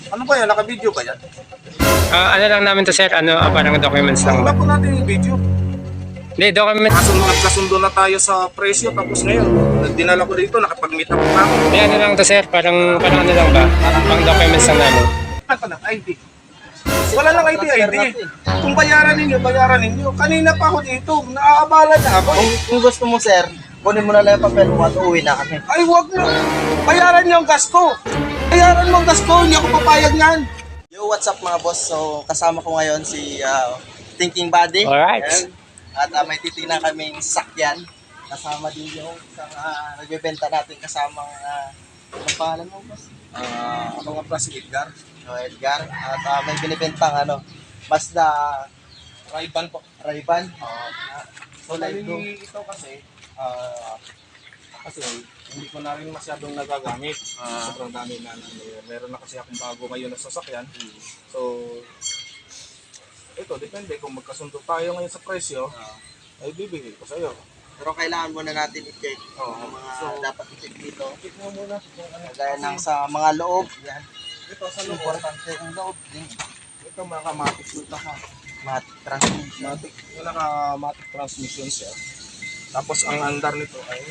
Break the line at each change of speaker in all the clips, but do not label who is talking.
Ano ba yan? Naka-video ba yan?
Ano lang namin to, sir, parang documents lang
Wala
ba?
po natin yung video.
Hindi, documents.
Nagkasundo na tayo sa presyo, tapos ngayon, dinala ko dito, nakapag-meet up na ako.
Hindi, ano lang to, sir, parang ano lang ba? Pang documents lang namin.
Ano na, ID? Wala lang ID. Kung bayaran ninyo. Kanina pa ako dito, naaabala na ako.
Kung gusto mo, sir, kunin mo na lang yung papel mo at uuwi na kami.
Ay, wag na. Bayaran niyo ang gas ko. Bayaran mo ang gas ko, hindi ako papayag niyan.
Yo, what's up mga boss? So, kasama ko ngayon si Thinking Buddy.
Alright.
Ayan. At may titingnan kaming sakyan. Kasama din yung isang nagbebenta natin kasamang, anong pangalan mo, boss?
Ako nga pala si Edgar.
So, Edgar. At may binibentang Mazda
Ray-Ban po.
Ray-Ban. So,
Bali,
like do.
ito kasi, hindi ko na rin masyadong nagagamit. Sobrang dami na. Meron na kasi akong bago ngayon na sasakyan. So, ito, depende kung magkasundo tayo ngayon sa presyo, ay bibigay ko sa'yo.
Pero kailangan muna natin i-check
Oo.
ang mga
So,
dapat i-check dito.
check mo muna kung ano.
Gaya ng sa mga loob. Yan.
Ito sa loob.
Importante yung loob.
Ito naka-matic ito ha.
Matic transmission.
Yung naka-matic transmission siya. Tapos ang andar nito ay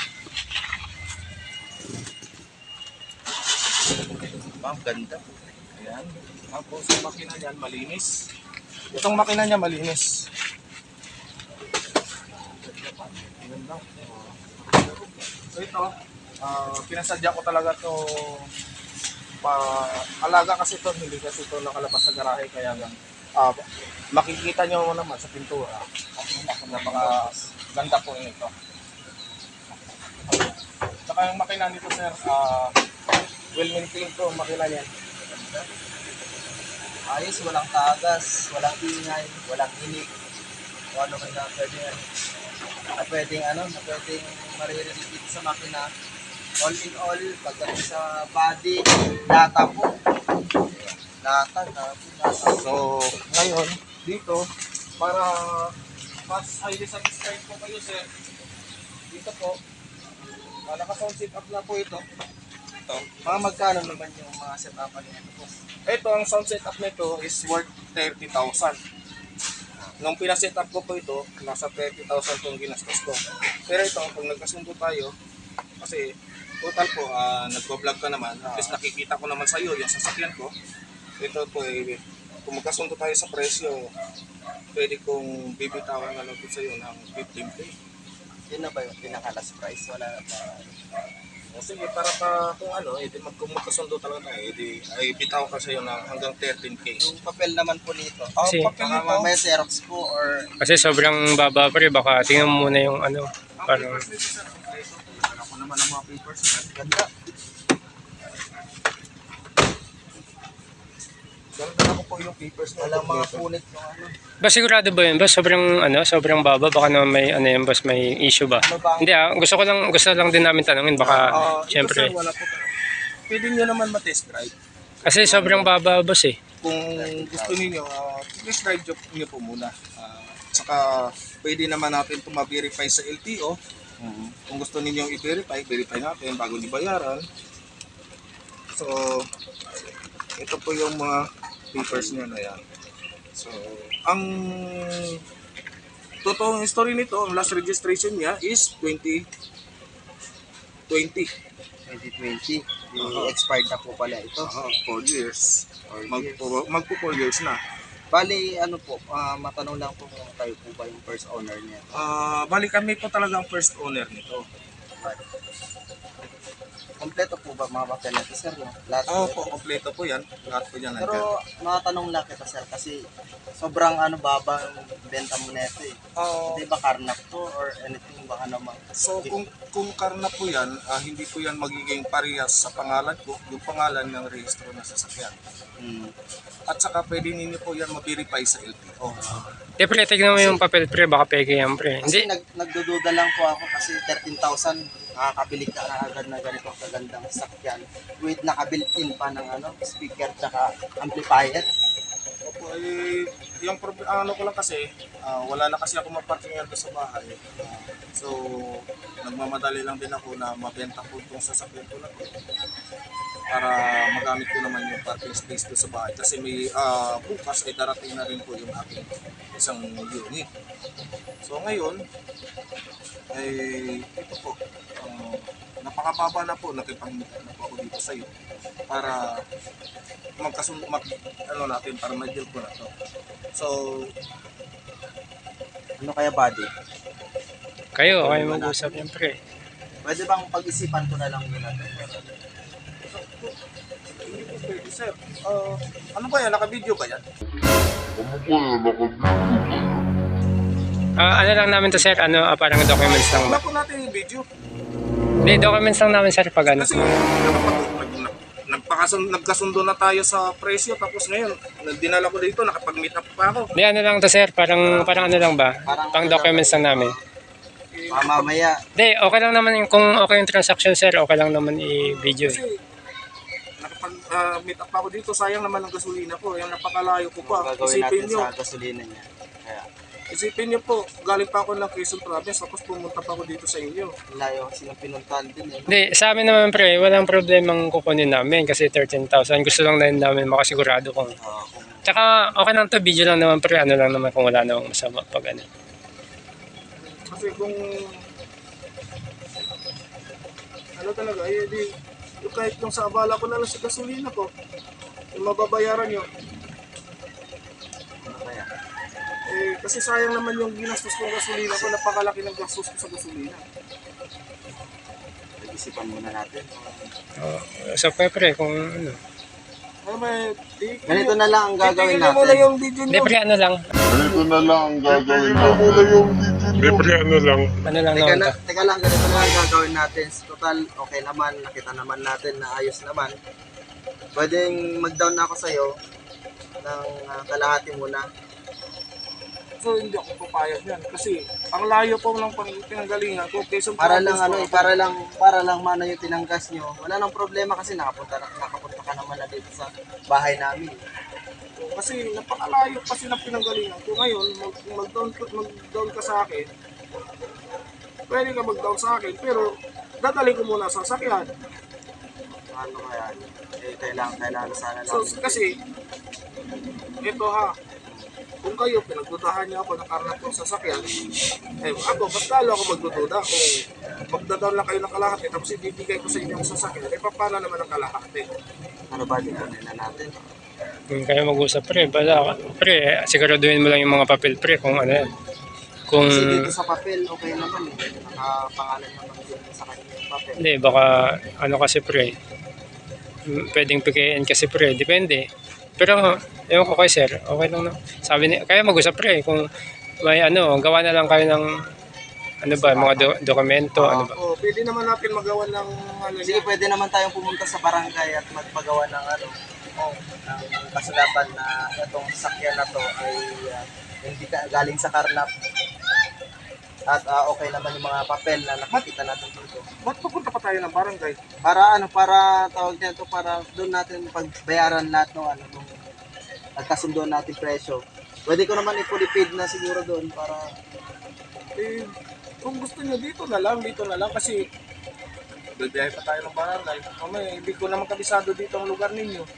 Ang ganda.
ayan. Tapos yung makina niyan malinis. Itong makina niya malinis. Ayan lang. So ito, pinasadya ko talaga to alaga kasi ito, hindi kasi ito nakalabas sa garahe kaya lang makikita nyo naman sa pintura. Napaka ganda po nito. Saka yung makina nito sir, well maintained po ang makina niyan.
Ayos, walang tagas, walang ingay, walang inig. O ano kaya pwedeng pwedeng maririnig dito sa makina. All in all, pagdating sa body, data po. Data.
So, ngayon, dito, para mas highly satisfied po kayo sir, dito po, naka-sound setup na po ito.
Mga magkano naman yung mga setupan niya po?
Ito, ang sound setup nito is worth 30,000. Nung pinasetup ko po ito, nasa 30,000 itong ginastos ko. Pero ito, pag nagkasundo tayo, kasi total po, nagpo-vlog ka naman, at least nakikita ko naman sa iyo yung sasakyan ko. Ito po, kung magkasundo tayo sa presyo, pwede kong bibitawan na lang sa iyo ng 15K.
Yun na ba yung pinaka-last price? Wala na ba?
O sige, para kung kung magkasundo talaga tayo, ay bitaw ka sa iyo ng hanggang 13K.
Yung papel naman po nito.
Kasi-
papel nito.
May Xerox po or
Kasi sobrang baba pa rin, baka tingnan mo muna yung parang...
Papers nito sir, alam ko naman ang mga papers niyan.
ganda.
Dala ko po yung papers na
Walang mga punit yung
Ba, sigurado ba yun? Ba, sobrang baba, baka naman may, boss, may issue ba?
Ano ba?
Hindi gusto lang din namin tanungin, baka,
Ito
syempre.
sir, wala po. Pwede nyo naman matest drive.
Kasi sobrang baba, boss eh.
Kung gusto niyo, test drive nyo po muna. Saka pwede naman natin ito ma-verify sa LTO. Kung gusto niyo i-verify, verify natin bago ibayaran. So, ito po yung mga papers niya na yan. So, ang totoong history nito, ang last registration niya is 2020.
2020. Expired na po pala ito.
4 years.
4 years.
Magpo 4 years na.
Bali, matanong lang po kung tayo po ba yung first owner niya.
Bali kami po talaga ang first owner nito.
Kompleto po ba mga papel natin, sir? No? Lahat
Po, kompleto po yan. Lahat po yan nandiyan.
Pero matanong lang kita, sir, kasi sobrang baba yung benta mo neto eh. Hindi ba karnap to or anything baka naman?
So kung karna po yan, hindi po yan magiging parehas sa pangalan ko, yung pangalan ng rehistro ng sasakyan. At saka pwede ninyo po yan ma-verify sa LTO.
Pre, tignan mo yung papel, pre, baka peke yan, pre.
Kasi
Hindi,
nagdududa lang po ako kasi 13,000 nakakabili ka na agad na ganito kagandang sakyan with naka-built-in pa ng speaker tsaka amplifier.
Opo, yung ano ko lang kasi, wala na kasi ako maparkingan sa bahay. So, nagmamadali lang din ako na mabenta po itong sasakyan ko na to. para magamit ko naman yung parking space doon sa bahay kasi may bukas ay darating na rin po yung aking isang unit. So ngayon ay ito po, napakababa na po, nakipag-meet na po ako dito sa iyo para ano natin, para ma-deal ko na to. So
Ano kaya, buddy?
Kayo mag-usap yan, pre.
Pwede bang pag-isipan ko na lang muna ito?
pwede, sir. Ano ba yan? Naka-video ba yan?
Ano lang namin to, sir, parang documents lang.
Wala po natin yung video.
Hindi, documents lang namin, sir, pag ano.
Kasi nagkasundo na tayo sa presyo tapos ngayon dinala ko dito, nakapag-meet up pa ako.
Hindi, ano lang to, sir, parang ano lang ba? Pang documents lang namin.
Mamaya.
Hindi, okay lang naman kung okay yung transaction, sir, okay lang naman i-video.
Kasi nakapag-meet up ako dito, sayang naman ang gasolina ko, yung napakalayo ko pa.
Gagawin natin sa gasolina niya. Kaya,
Isipin niyo po, galing pa ako ng Quezon Province tapos pumunta pa ako dito sa inyo.
layo kasi ng pinuntahan din eh.
Hindi, sa amin naman, pre, walang problemang kukunin namin kasi 13,000. Gusto lang na namin makasigurado kung...
Kung
Tsaka okay lang to, video lang naman, pre, ano lang naman kung wala namang masama pag ano.
Kasi kung ano talaga, eh di yung kahit yung sa abala ko na lang sa gasolina ko, yung mababayaran nyo.
ano kaya?
Eh, kasi sayang naman yung ginastos kong gasolina ko, napakalaki ng gastos ko sa gasolina.
Pag-isipan muna natin.
So, pre, kung ano.
Ano ba,
Ganito na lang ang gagawin
Titignan mo na
natin.
yung video
Hindi,
nyo.
pre, ano lang.
Ganito na lang ang gagawin natin. Hindi, pre, ano lang.
Ano lang
Teka,
naman to.
teka lang, ganito na lang ang gagawin natin. Total, okay naman. Nakita naman natin na ayos naman. Pwedeng mag-down na ako sa'yo ng kalahati muna.
So, hindi ako papayag yan. Kasi, ang layo po ng pinanggalingan ko. Quezon
Para lang
Province
para lang mana yung tinanggas nyo. Wala nang problema kasi nakapunta ka naman na dito sa bahay namin.
Kasi napakalayo kasi ng pinanggalingan ko. Ngayon, mag-down ka sa akin. Pwede ka mag-down sa akin, pero dadalhin ko muna sa sasakyan.
Ano kaya? Eh, kailangan sana lang.
So, kasi, ito ha, kung kayo pinagdudahan niyo ako ng karnap ng sasakyan, eh ako, mas lalo ako magdududa. Kung magdadaw lang kayo ng kalahati, tapos ibibigay ko sa inyo ang sasakyan, eh paano naman ang kalahati?
Ano ba dito na natin?
Kung kayo mag-usap, pre, bala, pre, siguraduhin mo lang yung mga papel, pre, kung ano yan. Kung,
Kasi dito sa papel, okay naman eh. Nakapangalan naman din sa kanya yung papel.
hindi, baka, ano kasi, pre, pwedeng PKN kasi, pre, depende. Pero, ewan ko kay sir, okay lang na. Sabi niya, kaya mag-usap, pre, kung may gawa na lang kayo ng, ano ba, mga dokumento, ano ba.
Oh, pwede naman natin magawa ng ano
Sige,
niya.
pwede naman tayong pumunta sa barangay at magpagawa ng ng kasulatan na itong sasakyan na to ay hindi galing sa karnap. At okay naman yung mga papel na nakikita natin dito.
Ba't pupunta pa tayo ng barangay?
Para tawag nito, para doon natin pagbayaran lahat ng nung nagkasundo natin presyo. Pwede ko naman i-fully na siguro doon para
Eh, kung gusto niyo dito na lang kasi bibiyahe pa tayo ng barangay. Mamaya, hindi ko naman kabisado dito ang lugar ninyo.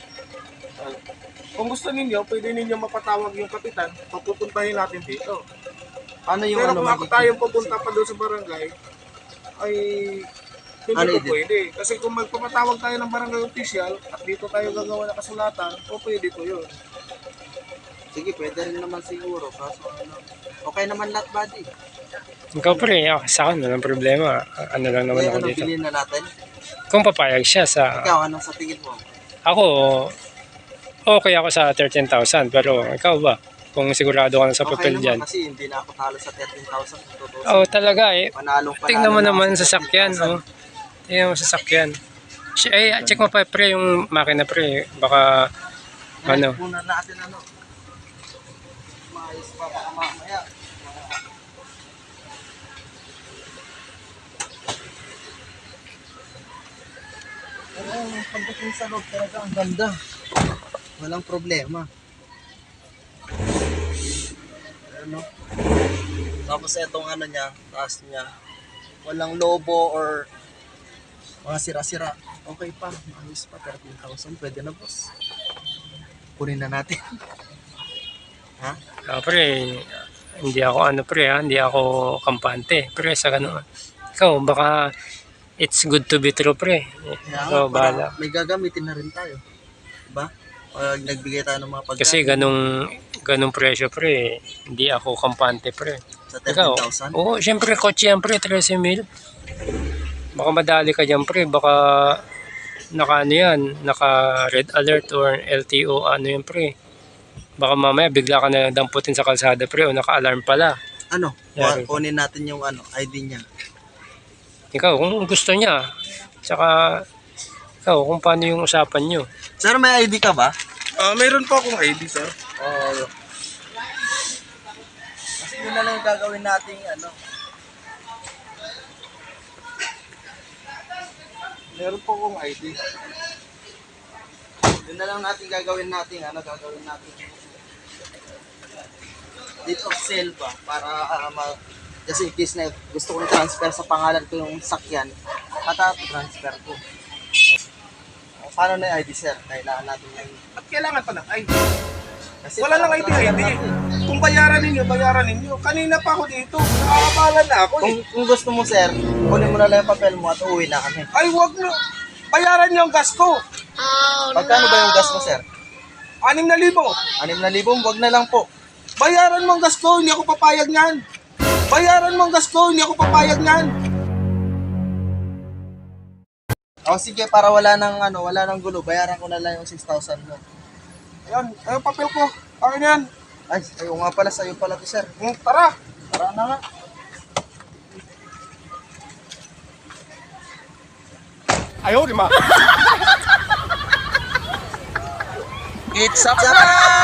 Kung gusto ninyo, pwede ninyo mapatawag yung kapitan, papupuntahin natin dito.
ano yung
Pero kung ako
magiging-
tayong pupunta pa doon sa barangay, ay hindi
Ano
ko
yun?
pwede. Kasi kung magpapatawag tayo ng barangay official at dito tayo gagawa ng kasulatan, o pwede ko yun.
Sige, pwede rin naman siguro. Kaso okay naman lahat, buddy.
Ikaw, pre, sa akin, walang problema. Ano lang naman
Eh,
ako
ano,
dito.
bilhin na natin?
Kung papayag siya sa,
Ikaw, anong sa tingin mo?
ako, okay ako sa 13,000, pero ikaw ba? Kung sigurado ka na sa papel
naman
dyan.
kasi hindi na ako talo sa 13,000.
Oo, talaga eh.
Panalong
Tingnan mo
na
naman
ako
sa sakyan, oh. Tingnan mo sa sakyan. Check mo pa, pre, yung makina, pre. Baka, ano.
Muna natin maayos pa baka mamaya. Pagdating sa loob talaga ang ganda. Walang problema. Ano? Tapos itong niya, taas niya. Walang lobo or mga sira-sira. Okay pa, maayos pa, 13,000, pwede na boss. Kunin na natin. Ha?
Pre, hindi ako ano pre ha, hindi ako kampante. Pre, sa ganun. Ikaw, baka it's good to be true pre.
Kaya
Ikaw,
nga,
bahala.
may gagamitin na rin tayo. Diba? Pag nagbigay tayo ng mga pagkain.
Kasi ganung presyo pre, hindi ako kampante pre.
Sa
Ikaw,
13,000.
oo, syempre kotse yan pre, 13,000. Baka madali ka dyan pre, baka naka ano yan, naka red alert or LTO ano yan pre. Baka mamaya bigla ka na damputin sa kalsada pre o naka-alarm pala.
Ano?
Yari.
Kunin natin yung ID niya.
Ikaw, kung gusto niya, tsaka ikaw, kung paano yung usapan nyo.
Sir, may ID ka ba?
Meron po akong ID, sir.
Oo. Kasi yun na lang yung gagawin nating
Meron po akong ID.
Yun na lang natin gagawin natin date of sale ba para kasi in case na gusto kong transfer sa pangalan ko yung sakyan, transfer ko. Paano na yung ID, sir? Kailangan natin yung
At kailangan pa ng ID.
kasi
Wala nang ID. Kung bayaran ninyo. Kanina pa ako dito. Nakakabalan na ako eh.
Kung gusto mo, sir, kunin mo na lang yung papel mo at uwi na kami.
Ay, wag na. Bayaran niyo ang gas ko.
Pagkano ba yung gas mo, sir?
6,000.
6,000, wag na lang po.
Bayaran mo ang gas ko, hindi ako papayag niyan. Bayaran mo ang gas ko, hindi ako papayag niyan.
O sige, para wala nang gulo, bayaran ko na lang yung 6,000 mo.
Ayan, ayun papel ko. Akin yan.
Ay, ayaw nga pala, sa'yo pala to, sir.
Tara.
Tara na nga.
Ayaw, di ma.
It's up!